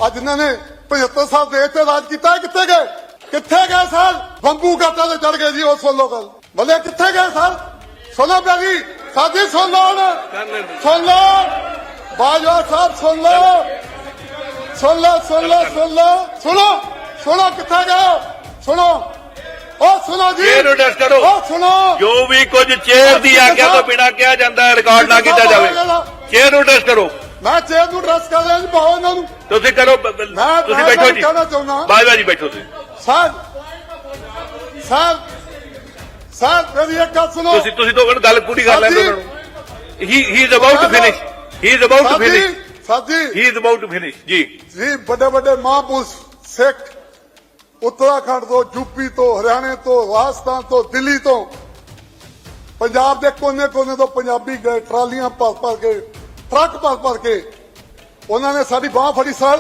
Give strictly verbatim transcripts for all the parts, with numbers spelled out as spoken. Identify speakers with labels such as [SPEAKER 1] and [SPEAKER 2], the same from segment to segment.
[SPEAKER 1] ਅੱਜ ਇਹਨਾਂ ਨੇ पचहत्तर साल देश ਤੇ ਰਾਜ ਕੀਤਾ ਕਿੱਥੇ ਗਏ ਕਿੱਥੇ ਗਏ ਸਰ ਬੰਬੂ ਘਾਟਾਂ ਤੇ ਚੜ ਗਏ ਜੀ ਉਹ ਸੁਣ ਲਓ ਗੱਲ ਬੱਲੇ ਕਿੱਥੇ ਗਏ ਸਰ ਸੁਣੋ ਪਿਆਰੀ ਸਾਡੀ ਸੁਣ ਲਓ ਸੁਣ ਲਓ ਬਾਜਵਾ ਸਾਹਿਬ ਸੁਣ ਲਓ ਸੁਣ ਲਓ ਸੁਣ ਲਓ ਸੁਣ ਲਓ ਸੁਣੋ ਸੁਣੋ ਕਿੱਥੇ ਗਏ ਸੁਣੋ ਉਹ ਸੁਣੋ ਜੀ
[SPEAKER 2] ਚੇਅਰ ਟੈਸਟ ਕਰੋ
[SPEAKER 1] ਉਹ ਸੁਣੋ
[SPEAKER 2] ਜੋ ਵੀ ਕੁਝ ਚੇਅਰ ਦੀ ਆਗਿਆ ਤੋਂ ਬਿਨਾਂ ਕਿਹਾ ਜਾਂਦਾ ਹੈ ਰਿਕਾਰਡ ਨਾ ਕੀਤਾ ਜਾਵੇ ਚੇਅਰ ਨੂੰ ਟੈਸਟ ਕਰੋ
[SPEAKER 1] ਮੈਂ ਚੇਅਰ ਨੂੰ ਟੈਸਟ ਕਰ ਰਿਹਾ ਜੀ ਪਾਓ ਇਹਨਾਂ ਨੂੰ
[SPEAKER 2] ਤੁਸੀਂ ਕਰੋ ਤੁਸੀਂ ਬੈਠੋ ਜੀ ਬਾਜਵਾ ਜੀ ਬੈਠੋ ਤੁਸੀਂ
[SPEAKER 1] ਸਰ ਸਰ ਸਰ ਮੇਰੀ ਇੱਕ ਗੱਲ ਸੁਣੋ
[SPEAKER 2] ਤੁਸੀਂ ਤੁਸੀਂ ਤੋਂ ਗੱਲ ਪੂਰੀ ਕਰ ਲੈਂਦੇ ਉਹਨਾਂ ਨੂੰ ਹੀ he is about to finish he is about to finish
[SPEAKER 1] sir ji
[SPEAKER 2] he is about to finish ਜੀ
[SPEAKER 1] ਜੀ ਵੱਡੇ ਵੱਡੇ ਮਹਾਂਪੁਰਸ਼ ਸਿੱਖ ਉੱਤਰਾਖੰਡ ਤੋਂ ਯੂਪੀ ਤੋਂ ਹਰਿਆਣੇ ਤੋਂ ਰਾਜਸਥਾਨ ਤੋਂ ਦਿੱਲੀ ਤੋਂ ਪੰਜਾਬ ਦੇ ਕੋਨੇ ਕੋਨੇ ਤੋਂ ਪੰਜਾਬੀ ਗਏ ਟਰਾਲੀਆਂ ਭਰ ਭਰ ਕੇ ਟਰੱਕ ਭਰ ਭਰ ਕੇ ਉਹਨਾਂ ਨੇ ਸਾਡੀ ਬਾਹ ਫੜੀ ਸਰ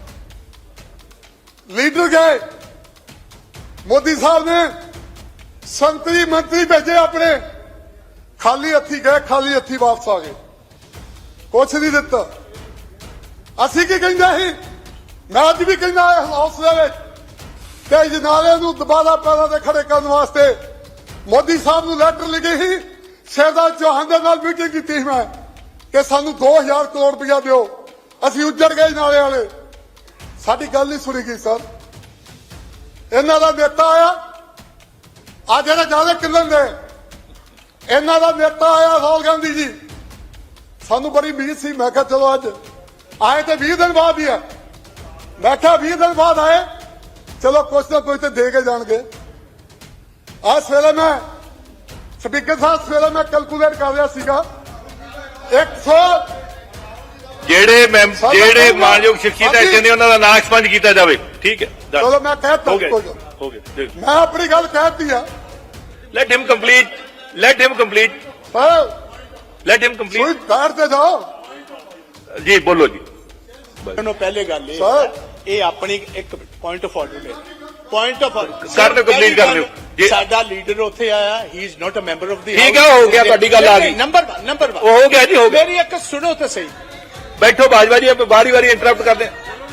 [SPEAKER 1] ਲੀਡਰ ਗਏ ਮੋਦੀ ਸਾਹਿਬ ਨੇ ਸੰਤਰੀ ਮੰਤਰੀ ਭੇਜੇ ਆਪਣੇ ਖਾਲੀ ਹੱਥੀ ਗਏ ਖਾਲੀ ਹੱਥੀ ਵਾਪਸ ਆ ਗਏ ਕੁਛ ਨਹੀਂ ਦਿੱਤਾ ਅਸੀਂ ਕੀ ਕਹਿੰਦੇ ਸੀ ਮੈਂ ਅੱਜ ਵੀ ਕਹਿੰਦਾ ਹਾਊਸ ਦੇ ਵਿੱਚ ਕਿ ਜਨਾਲੇ ਨੂੰ ਦੁਬਾਰਾ ਪੈਰਾਂ ਤੇ ਖੜੇ ਕਰਨ ਵਾਸਤੇ ਮੋਦੀ ਸਾਹਿਬ ਨੂੰ ਲੈਟਰ ਲਿਖੀ ਸੀ ਸ਼ਹਿਜ਼ਾਦ ਚੌਹਾਨ ਦੇ ਨਾਲ ਮੀਟਿੰਗ ਕੀਤੀ ਸੀ ਮੈਂ ਕਿ ਸਾਨੂੰ ਦੋ ਹਜ਼ਾਰ ਕਰੋੜ ਰੁਪਇਆ ਦਿਓ ਅਸੀਂ ਉੱਜੜ ਗਏ ਨਾਲੇ ਵਾਲੇ ਸਾਡੀ ਗੱਲ ਨਹੀਂ ਸੁਣੀ ਗਈ ਸਰ ਇਹਨਾਂ ਦਾ ਨੇਤਾ ਆਇਆ ਆ ਜਿਹੜੇ ਜਾਲੇ ਕਿੰਨਣ ਦੇ ਇਹਨਾਂ ਦਾ ਨੇਤਾ ਆਇਆ ਰਾਹੁਲ ਗਾਂਧੀ ਜੀ ਸਾਨੂੰ ਬੜੀ ਉਮੀਦ ਸੀ ਮੈਂ ਕਿਹਾ ਚਲੋ ਅੱਜ ਆਏ ਤੇ ਵੀਹ ਦਿਨ ਬਾਅਦ ਹੀ ਆ ਮੈਂ ਕਿਹਾ ਵੀਹ ਦਿਨ ਬਾਅਦ ਆਏ ਚਲੋ ਕੁਛ ਨਾ ਕੁਛ ਤੇ ਦੇ ਕੇ ਜਾਣਗੇ ਆ ਸਵੇਰੇ ਮੈਂ ਸਪੀਕਰ ਸਾਹਿਬ ਸਵੇਰੇ ਮੈਂ ਕੈਲਕੂਲੇਟ ਕਰ ਰਿਹਾ ਸੀਗਾ ਇੱਕ ਸੌ
[SPEAKER 2] ਜਿਹੜੇ ਜਿਹੜੇ ਮਾਨਯੋਗ ਸ਼ਖਸੀਅਤ ਹੈ ਜਿਹਨੇ ਉਹਨਾਂ ਦਾ ਨਾਂ ਐਕਸਪੰਜ ਕੀਤਾ ਜਾਵੇ ਠੀਕ ਹੈ
[SPEAKER 1] ਚਲੋ ਮੈਂ ਕਹਿਤਾ
[SPEAKER 2] ਹੋ ਗਿਆ ਹੋ ਗਿਆ
[SPEAKER 1] ਮੈਂ ਆਪਣੀ ਗੱਲ ਕਹਿਤੀ ਆ
[SPEAKER 2] let him complete let him complete
[SPEAKER 1] sir
[SPEAKER 2] let him complete
[SPEAKER 1] ਕੋਈ ਬੈਠ ਤੇ ਜਾਓ
[SPEAKER 2] ਜੀ ਬੋਲੋ ਜੀ
[SPEAKER 3] ਨੂੰ ਪਹਿਲੇ ਗੱਲ ਇਹ
[SPEAKER 1] ਸਰ
[SPEAKER 3] ਇਹ ਆਪਣੀ ਇੱਕ ਪੁਆਇੰਟ ਆਫ ਆਰਡਰ ਹੈ ਪੁਆਇੰਟ ਆਫ
[SPEAKER 2] ਕਰ ਦਿਓ ਕੰਪਲੀਟ ਕਰ ਦਿਓ
[SPEAKER 3] ਜੀ ਸਾਡਾ ਲੀਡਰ ਉੱਥੇ ਆਇਆ he is not a member of the
[SPEAKER 2] ਠੀਕ ਹੈ ਹੋ ਗਿਆ ਤੁਹਾਡੀ ਗੱਲ ਆ ਗਈ
[SPEAKER 3] ਨੰਬਰ ਇੱਕ ਨੰਬਰ ਇੱਕ
[SPEAKER 2] ਹੋ ਗਿਆ ਜੀ ਹੋ ਗਿਆ
[SPEAKER 3] ਮੇਰੀ ਇੱਕ ਸੁਣੋ ਤਾਂ ਸਹੀ
[SPEAKER 2] ਬੈਠੋ ਬਾਜਵਾ ਜੀ ਆਪਾਂ ਵਾਰੀ ਵਾਰੀ ਇੰਟਰਰਪਟ ਕਰਦੇ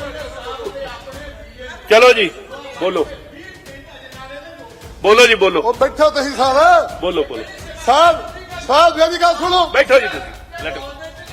[SPEAKER 2] ਚਲੋ ਜੀ ਬੋਲੋ ਬੋਲੋ ਜੀ ਬੋਲੋ
[SPEAKER 1] ਉਹ ਬੈਠੋ ਤੁਸੀਂ ਸਰ
[SPEAKER 2] ਬੋਲੋ ਬੋਲੋ
[SPEAKER 1] ਸਰ ਸਰ ਮੇਰੀ ਗੱਲ ਸੁਣੋ
[SPEAKER 2] ਬੈਠੋ ਜੀ ਤੁਸੀਂ ਲੈਟ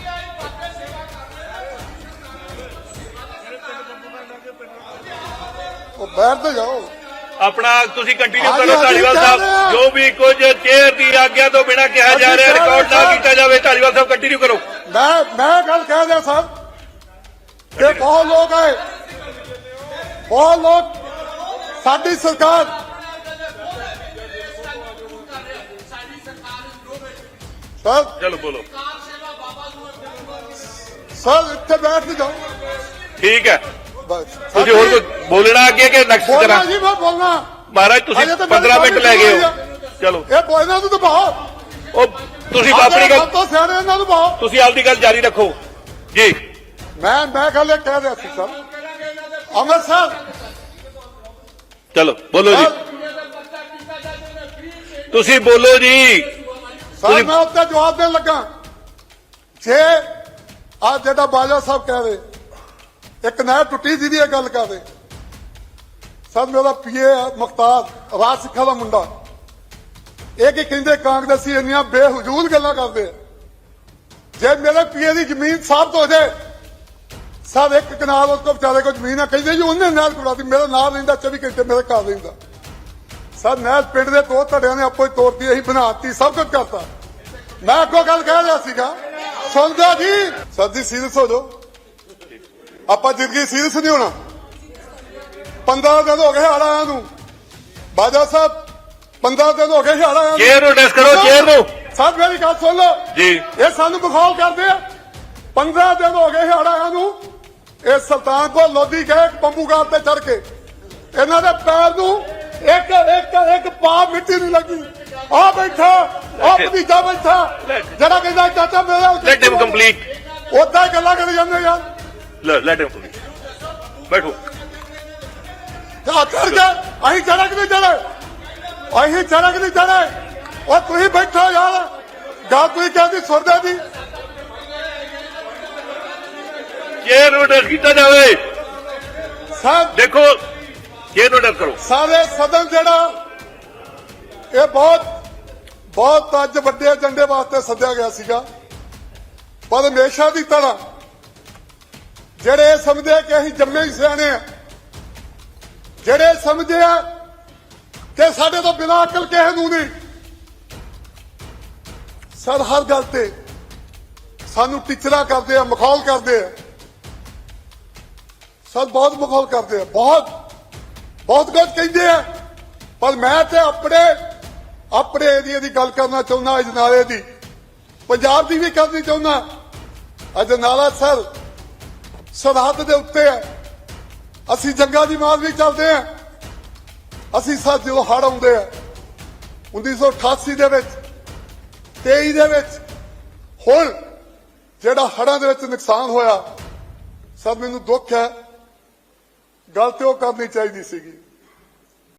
[SPEAKER 1] ਉਹ ਬੈਠ ਤੇ ਜਾਓ
[SPEAKER 2] ਆਪਣਾ ਤੁਸੀਂ ਕੰਟੀਨਿਊ ਕਰੋ ਢਾਲੀਵਾਲ ਸਾਹਿਬ ਜੋ ਵੀ ਕੁਝ ਚੇਅਰ ਦੀ ਆਗਿਆ ਤੋਂ ਬਿਨਾਂ ਕਿਹਾ ਜਾ ਰਿਹਾ ਰਿਕਾਰਡ ਨਾ ਕੀਤਾ ਜਾਵੇ ਢਾਲੀਵਾਲ ਸਾਹਿਬ ਕੰਟੀਨਿਊ ਕਰੋ
[SPEAKER 1] ਮੈਂ ਮੈਂ ਗੱਲ ਕਹਿ ਰਿਹਾ ਸਾਹਿਬ ਕਿ ਬਹੁਤ ਲੋਕ ਆਏ ਬਹੁਤ ਲੋਕ ਸਾਡੀ ਸਰਕਾਰ ਸਰ
[SPEAKER 2] ਚਲੋ ਬੋਲੋ
[SPEAKER 1] ਸਰ ਇੱਥੇ ਬੈਠ ਤੇ ਜਾਓ
[SPEAKER 2] ਠੀਕ ਹੈ
[SPEAKER 1] ਬਸ
[SPEAKER 2] ਤੁਸੀਂ ਹੋਰ ਕੁਝ ਬੋਲਣਾ ਅੱਗੇ ਕਿ ਨੈਕਸਟ
[SPEAKER 1] ਬੋਲਣਾ
[SPEAKER 2] ਕਰਾਂ
[SPEAKER 1] ਜੀ ਮੈਂ ਬੋਲਣਾ
[SPEAKER 2] ਮਹਾਰਾਜ ਤੁਸੀਂ
[SPEAKER 1] ਅਜੇ ਤਾਂ
[SPEAKER 2] ਪੰਦਰਾਂ ਮਿੰਟ ਲੈ ਗਏ ਹੋ ਚਲੋ
[SPEAKER 1] ਇਹ ਬੋਲਣਾ ਨੂੰ ਤਾਂ ਬਾਹਰ
[SPEAKER 2] ਉਹ ਤੁਸੀਂ ਆਪਣੀ ਗੱਲ
[SPEAKER 1] ਤੋਂ ਸਿਆਣੇ ਇਹਨਾਂ ਨੂੰ ਬਾਹਰ
[SPEAKER 2] ਤੁਸੀਂ ਆਪਦੀ ਗੱਲ ਜਾਰੀ ਰੱਖੋ ਜੀ
[SPEAKER 1] ਮੈਂ ਮੈਂ ਗੱਲ ਇਹ ਕਹਿ ਰਿਹਾ ਸੀ ਸਰ ਅਮਰ ਸਾਹਿਬ
[SPEAKER 2] ਚਲੋ ਬੋਲੋ ਜੀ ਤੁਸੀਂ ਬੋਲੋ ਜੀ
[SPEAKER 1] ਸਰ ਮੈਂ ਉੱਤੇ ਜਵਾਬ ਦੇਣ ਲੱਗਾ ਜੇ ਆ ਜਿਹੜਾ ਬਾਜਵਾ ਸਾਹਿਬ ਕਹਿ ਰਹੇ ਇੱਕ ਨਹਿਰ ਟੁੱਟੀ ਜਿਹਦੀ ਇਹ ਗੱਲ ਕਰਦੇ ਸਰ ਮੇਰਾ ਪੀਏ ਮੁਖਤਾਰ ਰਾਜ ਸਿੱਖਾ ਦਾ ਮੁੰਡਾ ਇਹ ਕੀ ਕਹਿੰਦੇ ਕਾਂਗਰਸੀ ਇੰਨੀਆਂ ਬੇਹਜੂਲ ਗੱਲਾਂ ਕਰਦੇ ਜੇ ਮੇਰੇ ਪੀਏ ਦੀ ਜ਼ਮੀਨ ਸਾਫ਼ ਹੋ ਜਾਏ ਸਰ ਇੱਕ ਕਨਾਲ ਉਸ ਕੋ ਵਿਚਾਰੇ ਕੋ ਜ਼ਮੀਨ ਆ ਕਹਿੰਦੇ ਜੀ ਉਹਨੇ ਨਹਿਰ ਟੁੱਟਾਤੀ ਮੇਰੇ ਨਾਲ ਰਹਿੰਦਾ ਚੌਵੀ ਘੰਟੇ ਮੇਰੇ ਘਰ ਰਹਿੰਦਾ ਸਰ ਨਹਿਰ ਪਿੰਡ ਦੇ ਦੋ ਧੜਿਆਂ ਨੇ ਆਪੋ ਹੀ ਤੋੜਤੀ ਅਸੀਂ ਬਣਾਤੀ ਸਭ ਕੁਝ ਕਰਤਾ ਮੈਂ ਅੱਗੋਂ ਗੱਲ ਕਹਿ ਰਿਹਾ ਸੀਗਾ ਸੁਣਦਾ ਜੀ ਸਰ ਜੀ ਸੀਰੀਅਸ ਹੋ ਜਾਓ ਆਪਾਂ ਜ਼ਿੰਦਗੀ ਸੀਰੀਅਸ ਨਹੀਂ ਹੋਣਾ ਪੰਦਰਾਂ ਦਿਨ ਹੋ ਗਏ ਹੜ ਆਇਆ ਨੂੰ ਬਾਜਵਾ ਸਾਹਿਬ ਪੰਦਰਾਂ ਦਿਨ ਹੋ ਗਏ ਹੜ ਆਇਆ
[SPEAKER 2] ਚੇਅਰ ਨੂੰ ਟੈਸਟ ਕਰੋ ਚੇਅਰ ਨੂੰ
[SPEAKER 1] ਸਰ ਮੇਰੀ ਗੱਲ ਸੁਣ ਲਓ
[SPEAKER 2] ਜੀ
[SPEAKER 1] ਇਹ ਸਾਨੂੰ ਬਖੌਲ ਕਰਦੇ ਆ ਪੰਦਰਾਂ ਦਿਨ ਹੋ ਗਏ ਹੜ ਆਇਆ ਨੂੰ ਇਹ ਸੁਲਤਾਨਪੁਰ ਲੋਧੀ ਗਏ ਬੰਬੂਗਾਰ ਤੇ ਚੜ ਕੇ ਇਹਨਾਂ ਦੇ ਪੈਰ ਨੂੰ ਇੱਕ ਇੱਕ ਇੱਕ ਪਾ ਮਿੱਟੀ ਨਹੀਂ ਲੱਗੀ ਆ ਬੈਠਾ ਆ ਭਤੀਜਾ ਬੈਠਾ ਜਿਹੜਾ ਕਹਿੰਦਾ ਚਾਚਾ ਮੇਰਾ
[SPEAKER 2] ਲੈਟ ਹਿਮ ਕੰਪਲੀਟ
[SPEAKER 1] ਉਦਾਂ ਹੀ ਗੱਲਾਂ ਕਰੀ ਜਾਂਦੇ ਯਾਰ
[SPEAKER 2] ਲੈਟ ਹਿਮ ਕੰਪਲੀਟ ਬੈਠੋ
[SPEAKER 1] ਜਾ ਚੜ ਗਿਆ ਅਸੀਂ ਚੜਕ ਨਹੀਂ ਚੜੇ ਅਸੀਂ ਚੜਕ ਨਹੀਂ ਚੜੇ ਉਹ ਤੁਸੀਂ ਬੈਠੋ ਯਾਰ ਗੱਲ ਤੁਸੀਂ ਕਹਿੰਦੀ ਸੁਣਦੇ ਦੀ
[SPEAKER 2] ਚੇਅਰ ਨੂੰ ਟੈਸਟ ਕੀਤਾ ਜਾਵੇ
[SPEAKER 1] ਸਾਹਿਬ
[SPEAKER 2] ਦੇਖੋ ਜੇ ਤੁਹਾਡਾ ਕਰੋ
[SPEAKER 1] ਸਾਰੇ ਸਦਨ ਜਿਹੜਾ ਇਹ ਬਹੁਤ ਬਹੁਤ ਅੱਜ ਵੱਡੇ ਏਜੰਡੇ ਵਾਸਤੇ ਸੱਦਿਆ ਗਿਆ ਸੀਗਾ, ਪਰ ਹਮੇਸ਼ਾ ਦੀ ਤਰ੍ਹਾਂ ਜਿਹੜੇ ਸਮਝਦੇ ਕਿ ਅਸੀਂ ਜੰਮੇ ਹੀ ਸਿਆਣੇ ਆ, ਜਿਹੜੇ ਸਮਝਦੇ ਆ ਕਿ ਸਾਡੇ ਤੋਂ ਬਿਨਾਂ ਅਕਲ ਕਿਸੇ ਨੂੰ ਨਹੀਂ, ਸਰ ਹਰ ਗੱਲ ਤੇ ਸਾਨੂੰ ਟੀਚਰਾਂ ਕਰਦੇ ਆ, ਮਖੌਲ ਕਰਦੇ ਆ, ਸਰ ਬਹੁਤ ਮਖੌਲ ਕਰਦੇ ਆ, ਬਹੁਤ ਬਹੁਤ ਕੁਝ ਕਹਿੰਦੇ ਆ। ਪਰ ਮੈਂ ਤੇ ਆਪਣੇ ਆਪਣੇ ਏਰੀਏ ਦੀ ਗੱਲ ਕਰਨਾ ਚਾਹੁੰਦਾ, ਅਜਨਾਲੇ ਦੀ, ਪੰਜਾਬ ਦੀ ਵੀ ਕਰਨੀ ਚਾਹੁੰਦਾ। ਅਜਨਾਲਾ ਸਰ ਸਰਹੱਦ ਦੇ ਉੱਤੇ ਹੈ, ਅਸੀਂ ਜੰਗਾਂ ਦੀ ਮਾਰ ਵੀ ਚੱਲਦੇ ਆ। ਅਸੀਂ ਸਰ ਜਦੋਂ ਹੜ੍ਹ ਆਉਂਦੇ ਆ ਉੱਨੀ ਸੌ ਅਠਾਸੀ ਦੇ ਵਿੱਚ, ਤੇਈ ਦੇ ਵਿੱਚ, ਹੁਣ ਜਿਹੜਾ ਹੜ੍ਹਾਂ ਦੇ ਵਿੱਚ ਨੁਕਸਾਨ ਹੋਇਆ, ਸਰ ਮੈਨੂੰ ਦੁੱਖ ਹੈ, ਗੱਲ ਤੇ ਉਹ ਕਰਨੀ ਚਾਹੀਦੀ ਸੀਗੀ।